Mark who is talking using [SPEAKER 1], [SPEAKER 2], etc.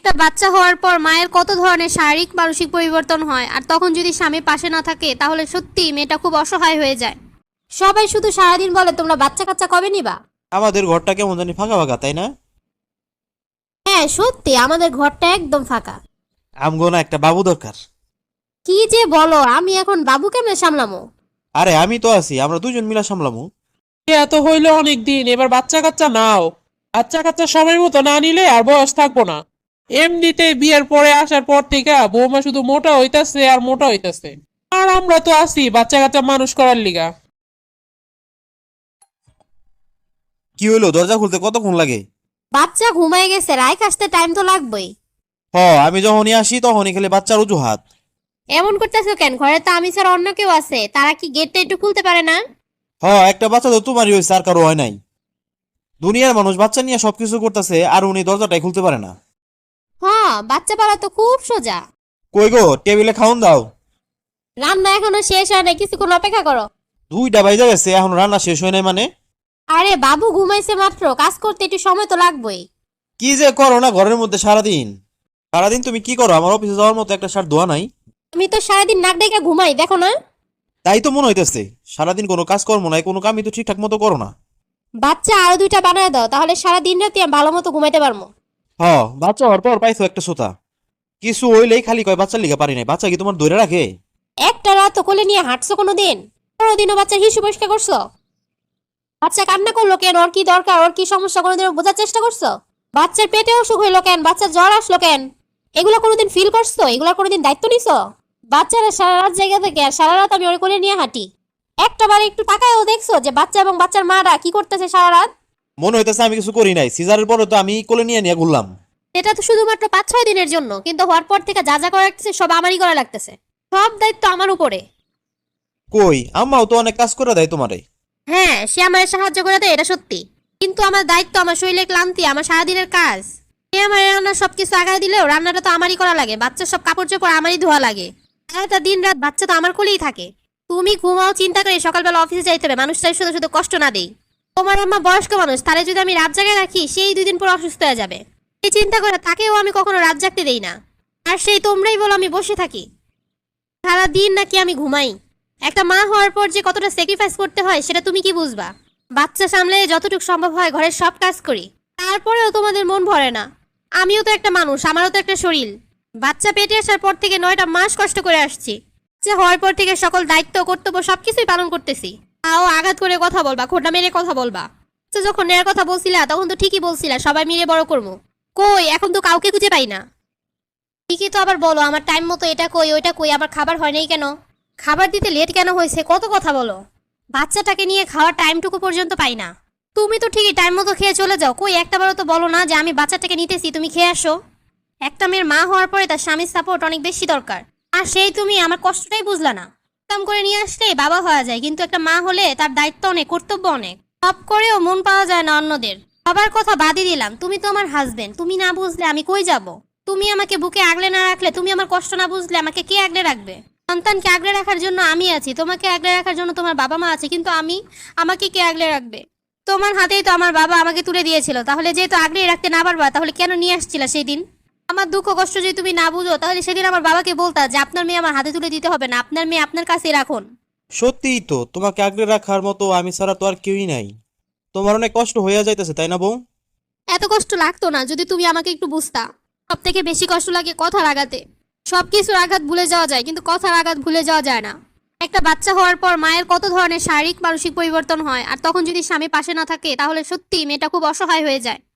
[SPEAKER 1] একটা বাচ্চা হওয়ার পর মায়ের কত ধরনের শারীরিক মানসিক পরিবর্তন হয়, আর তখন যদি স্বামী পাশে না থাকে তাহলে সত্যি মেয়েটা খুব অসহায় হয়ে যায়। সবাই শুধু সারাদিন বলে তোমরা বাচ্চা কাচ্চা কবে নিবা।
[SPEAKER 2] আমাদের ঘরটা কেমন জানি ফাঁকা ফাঁকা, তাই না?
[SPEAKER 1] হ্যাঁ সত্যি, আমাদের ঘরটা একদম ফাঁকা।
[SPEAKER 2] আমগো না একটা বাবু দরকার।
[SPEAKER 1] কি যে বলো, আমি এখন বাবু কেমনে সামলামো?
[SPEAKER 2] আরে আমি তো আছি, আমরা দুজন মিলা সামলামু।
[SPEAKER 3] এত হইলো অনেক দিন, এবার বাচ্চা কাচ্চা নাও। বাচ্চা কাচ্চা সময় মতো না নিলে আর বয়স থাকবো না। এমনিতে বিয়ের পরে আসার পর থেকে বৌমা শুধু মোটা হইতাছে আর মোটা হইতাছে, আর আমরা তো আছি বাচ্চা কাচ্চা মানুষ করার লিগা।
[SPEAKER 2] কি হইলো, দরজা খুলতে কতক্ষণ লাগে?
[SPEAKER 1] বাচ্চা ঘুমায় গেছে, রাইখ আসতে টাইম তো লাগবেই।
[SPEAKER 2] আমি যখনই আসি তখনই খেলে বাচ্চার অজুহাত।
[SPEAKER 1] এমন করতেছো কেন? ঘরে তো আমি ছাড়া অন্য কেউ আছে, তারা কি গেটটা একটু খুলতে পারে না?
[SPEAKER 2] একটা বাচ্চা তো তোমারই হয়েছে, আর কারো হয় নাই। দুনিয়ার মানুষ বাচ্চা নিয়ে সবকিছু করতেছে, আর উনি দরজাটাই খুলতে পারে না।
[SPEAKER 1] হ্যাঁ, বাচ্চা পালা তো খুব সোজা।
[SPEAKER 2] কই গো, টেবিলে খাওন দাও।
[SPEAKER 1] রান্না এখনো শেষ হয় না, কিছুক্ষণ অপেক্ষা করো।
[SPEAKER 2] 2টা বাজে গেছে, এখন রান্না শেষ হয় নাই মানে?
[SPEAKER 1] আরে বাবু ঘুমাইছে মাত্র, কাজ করতে একটু সময় তো লাগবেই।
[SPEAKER 2] কি যে করো না ঘরের মধ্যে সারাদিন। সারাদিন তুমি কি করো? আমার অফিসে যাওয়ার মতো একটা শার্ট ধোয়া নাই।
[SPEAKER 1] আমি তো সারাদিন নাক ডেকে ঘুমাই, দেখো না?
[SPEAKER 2] তাই তো মনে হইতেছে, সারাদিন কোনো কাজ কর্ম নাই, কোনো কামই তো ঠিকঠাক মতো করো না।
[SPEAKER 1] বাচ্চা আরো 2টা বানায় দাও, তাহলে সারা দিন রাতে আমি ভালো মতো ঘুমাইতে পারবো।
[SPEAKER 2] বাচ্চা হওয়ার পর পাইছো একটা সোতা। কিছু হইলেই খালি কয় বাচ্চার লিগা পারি নাই। বাচ্চা কি তোমার ধরে রাখে?
[SPEAKER 1] একটা রাত কোলে নিয়ে হাঁটছো কোনোদিন? কোনোদিনও বাচ্চা হিসু পরিষ্কার করছো? বাচ্চা কান্না করলো কেন? ওর কি দরকার? ওর কি সমস্যা? কোনোদিনও বোঝার চেষ্টা করছো? বাচ্চার পেটে অসুখ হইলো কেন? বাচ্চার জ্বর আসলো কেন? এগুলো কোনোদিন ফিল করছো? এগুলো কোনোদিন দায়িত্ব নিছো? বাচ্চারা সারা রাত জায়গা থেকে আর সারা রাত আমি ওর কোলে নিয়ে হাঁটি। একটা বার একটু তাকায়ও দেখছো যে বাচ্চা এবং বাচ্চার মারা কি করতেছে সারা রাত?
[SPEAKER 2] মনে হইতেছে আমি কিছু করি নাই। সিজারের পরে তো আমি কোলে নিয়ে নিয়ে ঘুরলাম।
[SPEAKER 1] এটা তো শুধুমাত্র 5-6 দিনের জন্য, কিন্তু হওয়ার পর থেকে যা যা করা লাগতেছে সব আমারই করা লাগতেছে। সব দায়িত্ব আমার উপরে।
[SPEAKER 2] কই, আম্মাও তো অনেক কাজ করে দেয় তোমারে।
[SPEAKER 1] হ্যাঁ, সে আমার সাহায্য করে দেয়, এটা সত্যি। কিন্তু আমার দায়িত্ব, আমার শরীরে ক্লান্তি, আমার সারাদিনের কাজ। সে আমার রান্নার সবকিছু আগায় দিলেও রান্নাটা তো আমারই করা লাগে, বাচ্চার সব কাপড় চোপড় আমারই ধোয়া লাগে। সারাটা দিন রাত বাচ্চা তো আমার কোলেই থাকে। তুমি ঘুমাও চিন্তা করে সকালবেলা অফিসে যাইতে হবে, মানুষটাই শুধু শুধু কষ্ট না দেই। তোমার আম্মা বয়স্ক মানুষ, তারে যদি আমি রাত জাগায় রাখি সেই 2 দিন পর অসুস্থ হয়ে যাবে। এই চিন্তা করে তাকেও আমি কখনো রাত জাগতে দেই না। আর সেই তোমরাই বলো আমি বসে থাকি। সারা দিন নাকি আমি ঘুমাই। একটা মা হওয়ার পর যে কতটা স্যাক্রিফাইস করতে হয় সেটা তুমি কি বুঝবা? বাচ্চা সামলে যতটুকু সম্ভব হয় ঘরের সব কাজ করি, তারপরেও তোমাদের মন ভরে না। আমিও তো একটা মানুষ, আমারও তো একটা শরীর। বাচ্চা পেটে আসার পর থেকে 9টা মাস কষ্ট করে আসছি। বাচ্চা হওয়ার পর থেকে সকল দায়িত্ব কর্তব্য সবকিছুই পালন করতেছি। তাও আঘাত করে কথা বলবা, খোঁটা মেরে কথা বলবা। বাচ্চা যখন নেয়ার কথা বলছিলা তখন তো ঠিকই বলছিলা সবাই মিলে বড় করবো। কই, এখন তো কাউকে খুঁজে পাই না। ঠিকই তো আবার বলো আমার টাইম মতো এটা কই ওইটা কই, আবার খাবার হয় নাই কেন, খাবার দিতে লেট কেন হয়েছে, কত কথা বলো। বাচ্চাটাকে নিয়ে খাওয়ার টাইমটুকু পর্যন্ত পাই না। তুমি তো ঠিকই টাইম মতো খেয়ে চলে যাও, কই একটাবারও তো বলো না যে আমি বাচ্চাটাকে নিতেছি, তুমি খেয়ে আসো। একটা মেয়ের মা হওয়ার পরে তার স্বামীর সাপোর্ট অনেক বেশি দরকার, আর সেই তুমি আমার কষ্টটাই বুঝলা না। কাম করে নিয়ে আসলেই বাবা হওয়া যায়, কিন্তু একটা মা হলে তার দায়িত্ব অনেক, কর্তব্য অনেক। সব করেও মন পাওয়া যায় না অন্যদের। সবার কথা বাদই দিলাম, তুমি তো আমার হাজবেন্ড, তুমি না বুঝলে আমি কই যাব? তুমি আমাকে বুকে আগলে না রাখলে, তুমি আমার কষ্ট না বুঝলে আমাকে কে আগলে রাখবে? সন্তানকে আগলে রাখার জন্য আমি আছি, তোমাকে আগলে রাখার জন্য তোমার বাবা মা আছে, কিন্তু আমাকে কে আগলে রাখবে? তোমার হাতেই তো আমার বাবা আমাকে তুলে দিয়েছিল, তাহলে যেহেতু আগলে রাখতে না পারবা তাহলে কেন নিয়ে আসছিলা সেই দিন? আমার দুঃখ কষ্ট যদি তুমি না বুঝো তাহলে সেদিন আমার বাবাকে বলতা যে আপনার মেয়ে আমার হাতে তুলে দিতে হবে না, আপনার মেয়ে আপনার কাছেই রাখুন।
[SPEAKER 2] সত্যিই তো, তোমাকে আগলে রাখার মতো আমি ছাড়া তো আর কেউই নাই। তোমার অনেক কষ্ট হইয়া যাইতেছে, তাই না বউ?
[SPEAKER 1] এত কষ্ট লাগতো না যদি তুমি আমাকে একটু বুঝতা। সব থেকে বেশি কষ্ট লাগে কথার আঘাতে। সবকিছুর আঘাত ভুলে যাওয়া যায়, কিন্তু কথার আঘাত ভুলে যাওয়া যায় না। একটা বাচ্চা হওয়ার পর মায়ের কত ধরনের শারীরিক মানসিক পরিবর্তন হয়, আর তখন যদি স্বামী পাশে না থাকে তাহলে সত্যি মেয়েটা খুব অসহায় হয়ে যায়।